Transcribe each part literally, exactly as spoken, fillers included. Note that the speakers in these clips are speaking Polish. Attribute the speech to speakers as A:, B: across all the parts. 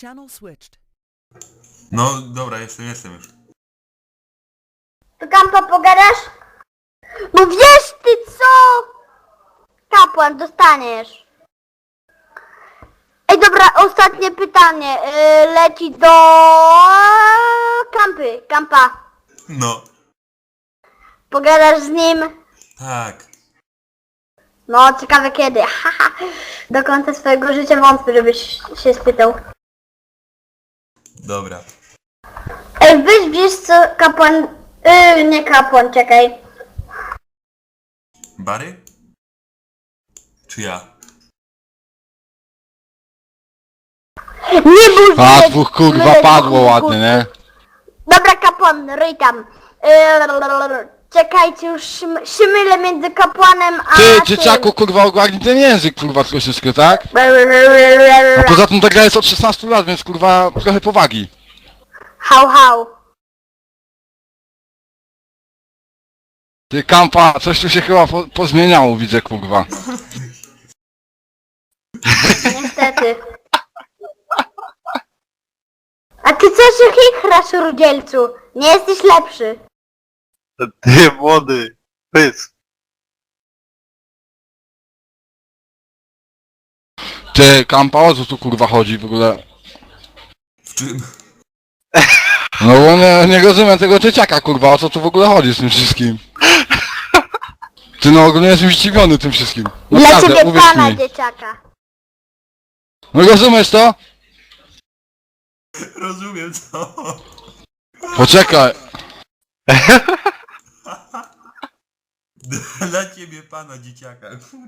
A: Channel switched.
B: No dobra, jestem, jestem już.
C: To Kampa pogadasz? No wiesz ty co? Kapłan, dostaniesz. Ej dobra, ostatnie pytanie. Yy, leci do... Kampy, Kampa.
B: No.
C: Pogadasz z nim?
B: Tak.
C: No, ciekawe kiedy. Haha. Do końca swojego życia wątpię, żebyś się spytał.
B: Dobra.
C: Ej, weź wiesz co, kapłan... Yy, nie kapłan, czekaj.
B: Bary? Czy ja?
C: Nie bój się!
D: A, dwóch kurwa
C: Leć,
D: padło
C: kurwa.
D: ładnie, nie?
C: Dobra, kapłan, ryj tam. Yy, czekajcie, już szym- szymylę między kapłanem a...
D: Ty,
C: tym.
D: dzieciaku, kurwa, ogarnij ten język, kurwa, troszeczkę, tak? A poza tym ta gra jest od szesnastu lat, więc kurwa, trochę powagi.
C: Hał, hał.
D: Ty, Kampa, coś tu się chyba po pozmieniało, widzę, kurwa.
C: Niestety. A ty co się chichrasz, rudzielcu? Nie jesteś lepszy.
E: Ty młody, pysk.
D: Ty, Kampa, o co tu kurwa chodzi w ogóle?
B: W czym?
D: No bo nie, nie rozumiem tego dzieciaka, kurwa, o co tu w ogóle chodzi z tym wszystkim? Ty, no ogólnie jestem zdziwiony tym wszystkim.
C: Dla
D: Naprawdę,
C: ciebie
D: uwierz
C: pana,
D: mi.
C: dzieciaka.
D: No rozumiesz to?
B: Rozumiem co?
D: Poczekaj.
B: Dla ciebie pana dzieciaka.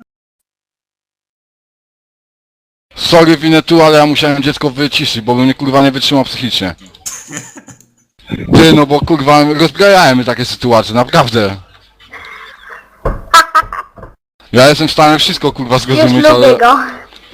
D: Sorry, winę tu, ale ja musiałem dziecko wyciszyć, bo bym mnie kurwa nie wytrzymał psychicznie. Ty, no bo kurwa rozbrajałem mnie takie sytuacje, naprawdę. Ja jestem w stanie wszystko kurwa
C: Już
D: zrozumieć,
C: lubię
D: ale...
C: go.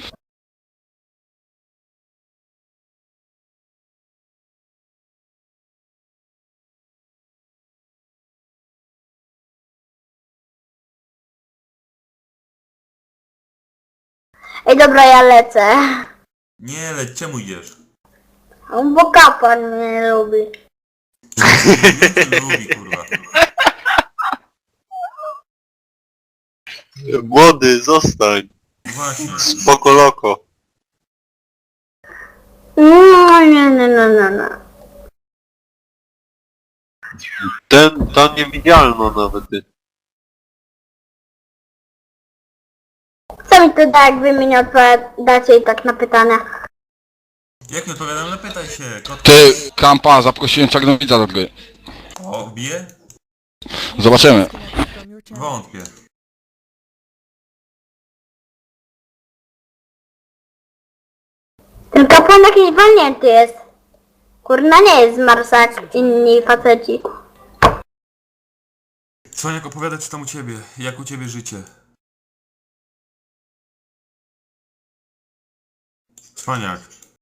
C: Ej, dobra, ja lecę.
B: Nie leć, czemu idziesz?
C: Bo kapłan mnie lubi.
B: Nie lubi kurwa.
E: Młody, zostań.
B: Właśnie.
E: Spoko loko.
C: No, nie, nie, nie, nie, nie.
E: Ten, ta niewidzialna nawet. Ty.
C: Co mi to da, jak wy mi nie odpowiadacie i tak na pytania?
B: Jak nie odpowiadam, no pytaj się. Kot...
D: Ty, Kampa, zaprosiłem czarnowidza do gry.
B: O, bije?
D: Zobaczymy.
A: Disconnected from your channel.
B: Wątpię.
C: Ten kapłan jakiś walnięty jest. Kurna, nie jest z Marsa jak inni faceci.
B: Cwaniak, opowiada co tam u ciebie. Jak u ciebie życie? Cwaniak.